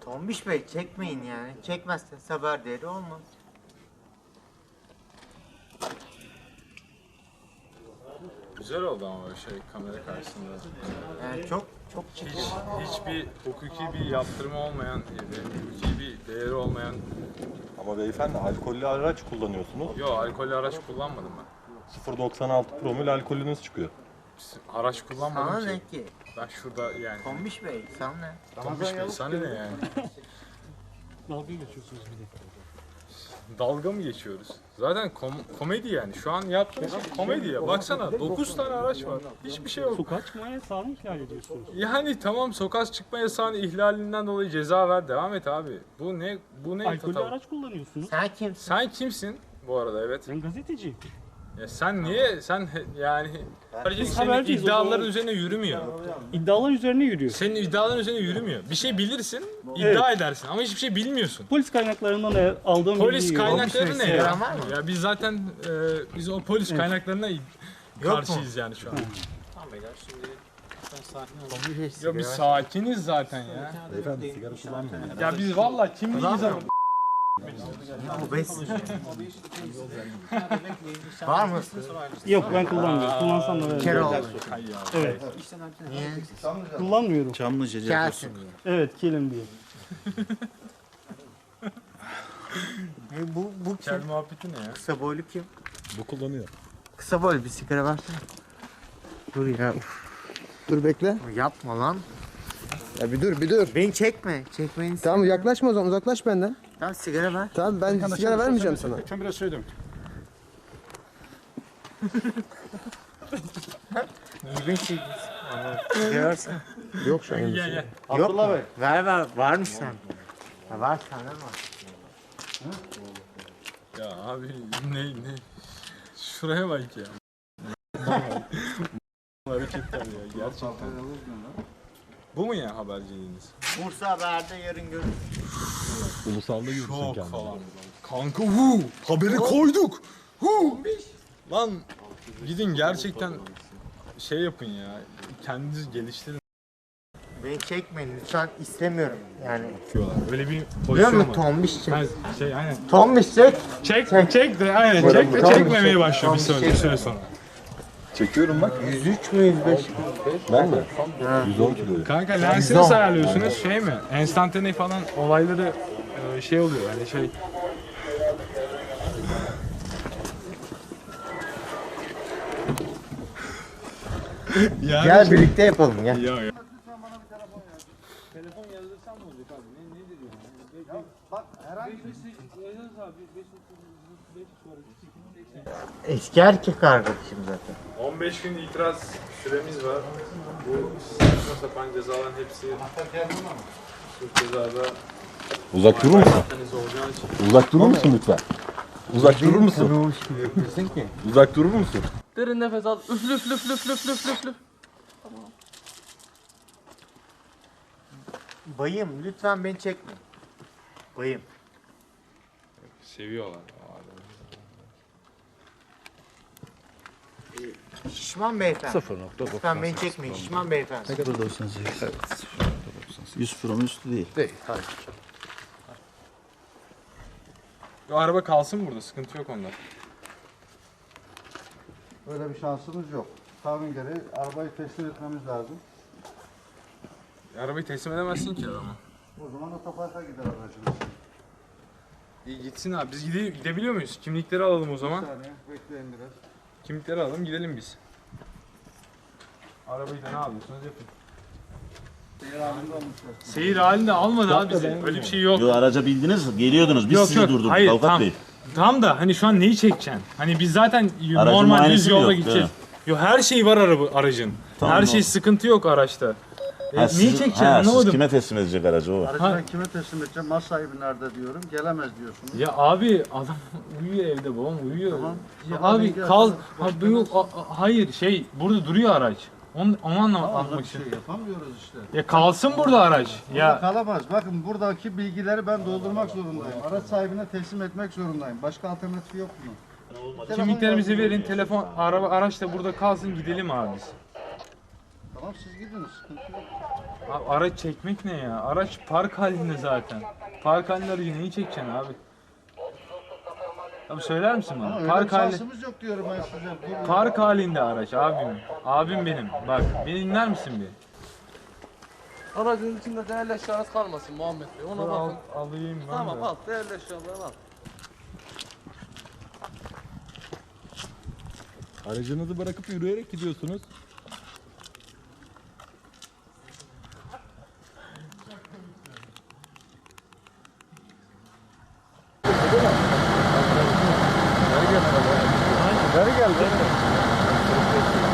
Tombiş Bey çekmeyin yani. Çekmezseniz haber değeri olmaz. Güzel oldu ama böyle şey kamera karşısında. Yani çok Hiçbir hukuki bir yaptırımı olmayan, hukuki bir değeri olmayan. Ama beyefendi alkollü araç kullanıyorsunuz. Yok, alkollü araç kullanmadım ben. 0.96 promil alkolünüz çıkıyor. Araç kullanmadım sana ki. ne ki? Ben şurada yani. Tombiş Bey sana ne? Tombiş Bey sana ne yani? Dalga geçiyorsunuz bir de. Dalga mı geçiyoruz? Zaten komedi yani. Şu an yaptığımız şey komedi ya. Baksana 9 tane araç var. Hiçbir şey yok. Sokağa çıkma yasağını ihlal ediyorsunuz. Yani tamam, sokağa çıkma yasağının ihlalinden dolayı ceza ver. Devam et abi. Bu ne? Alkollü tatava? araç kullanıyorsunuz. Sen kimsin? Sen kimsin bu arada? Evet. Ben gazeteciyim. Ya sen niye? Sen yani senin haberciyiz, o iddiaların zaman. üzerine yürümüyor. İddialar üzerine yürüyor. Senin iddiaların üzerine yürümüyor. Bir şey bilirsin, iddia edersin ama hiçbir şey bilmiyorsun. Polis kaynaklarından aldığım Polis bilgiyi kaynakları ne ya? Sigaran var mı? Ya biz zaten biz o polis kaynaklarına karşıyız yani şu an. Tamam beyler şimdi lütfen sakin olun. Tombiş Bey Ya biz sigara- sakiniz zaten ya. Beyefendi sigara kullanmayın. Ya biz vallahi kimliğimiz ama. Obez. Var mı? Yok ben kullanmıyorum. Kullansam da Kere veririm. oldu. Evet. Niye? Kullanmıyorum. Gelsin diye. Evet kilim diye. Bu Kel kim? muhabbeti ne ya? Kısa boylu kim? Bu kullanıyor. Kısa boylu bir sigara versene. Dur ya. Dur bekle. Yapma lan. Ya bir dur bir dur. Beni çekme. Çekmeni Tamam yaklaşma o zaman uzaklaş benden. Tamam sigara ver. Tamam ben sigara vermeyeceğim sana. Lütfen biraz söyledim. Düzgün şey. Sigara versene. Yok şu an. Gel gel. Yok mu? Ver. Varmış sen. Ha, var sana var. Ya abi ne? Şuraya bak ya. Hareketler ya gerçekten. Bu mu ya haberciliğiniz? Bursa Haber'de yarın görürüz. Ulusalda yürüsün Çok kendini. falan. Kanka haberi koyduk. Lan gidin gerçekten şey yapın ya. Kendiniz geliştirin. Beni çekmeyin lütfen istemiyorum yani. Öyle bir Biliyor pozisyon musun var. tombiş çek. Ha, şey aynen. Tombiş çek. Çek de aynen çek de Tamam, çekmemeye çek. başlıyor bir Tamam, süre, çek. bir süre sonra. Çekiyorum bak. 103 mü 105 mi? Ben mi? 110 kilo. Kanka lensi nasıl ayarlıyorsunuz? Şey mi? Enstantane falan olayları şey oluyor yani şey. Yani Gel birlikte yapalım gel. Ya. Eski erkek arkadaşım zaten. 15 gün itiraz süremiz var. Bu saçma sapan cezaların hepsi Türk cezada Uzak durur musun? organize olacağı için. Uzak durur musun lütfen? Uzak durur musun? Tanımamış gibi yapıyorsun ki. Uzak durur musun? Derin nefes al. Üflü üflü üflü üflü üflü üflü üflü. Bayım lütfen beni çekme. Bayım. Seviyorlar. Şişman beyefendi. 0.98. Lütfen beni çekmeyin şişman beyefendi. Ne kadar 98? Evet. 100 promil üstü değil. Değil, hayır. O araba kalsın burada, sıkıntı yok onda. Öyle bir şansımız yok. Kanun gereği arabayı teslim etmemiz lazım. Arabayı teslim edemezsin ki adama. O zaman otoparka gider aracımız. İyi gitsin abi, biz gidebiliyor muyuz? Kimlikleri alalım o Bir zaman. saniye bekleyin biraz. Kimlikleri alalım, gidelim biz. Arabayı da ne alıyorsunuz yapın. Seyir halinde olmuşlar. Seyir halinde almadı abi bizi. Öyle bir şey yok. Yo araca bindiniz, geliyordunuz. Biz Yok, sizi yok. durdurduk Hayır, avukat tam- bey. Tam da hani şu an neyi çekeceksin? Hani biz zaten Aracın normal düz muayenesi yolda yok, gideceğiz. değil Yok her şey var aracın. Tamam, her ne şey oldu? sıkıntı yok araçta. Neyi çekeceksin Siz anlamadım. kime teslim edecek aracı o var. Aracı ben kime teslim edeceğim? Mal sahibi nerede diyorum. Gelemez diyorsunuz. Ya abi adam uyuyor evde, babam uyuyor. Tamam. Ya Tamam, abi ben gel- kal. Bak, Ha, yok, hayır şey burada duruyor araç. Onu Ama anlatmak bir için. şey yapamıyoruz işte. Ya kalsın burada araç. Burada Ya kalamaz. Bakın buradaki bilgileri ben doldurmak zorundayım. Araç sahibine teslim etmek zorundayım. Başka alternatifi yok bunun. kimliklerimizi verin, telefon, araç da burada kalsın, gidelim abi biz. Tamam siz gidin. Sıkıntı yok. Abi araç çekmek ne ya? Araç park halinde zaten. Park halinde aracı neyi çekeceksin abi? Abi söyler misin bana? Öyle bir Park halinde. şansımız yok diyorum ben size. Dur. Park halinde araç abim. Abim benim. Bak beni dinler misin bir? Aracın içinde değerli eşyanız kalmasın Muhammed Bey. Ona bakın. Alayım ben Tamam de. al. Değerli eşyaları al. Aracınızı bırakıp yürüyerek gidiyorsunuz. Ver gel.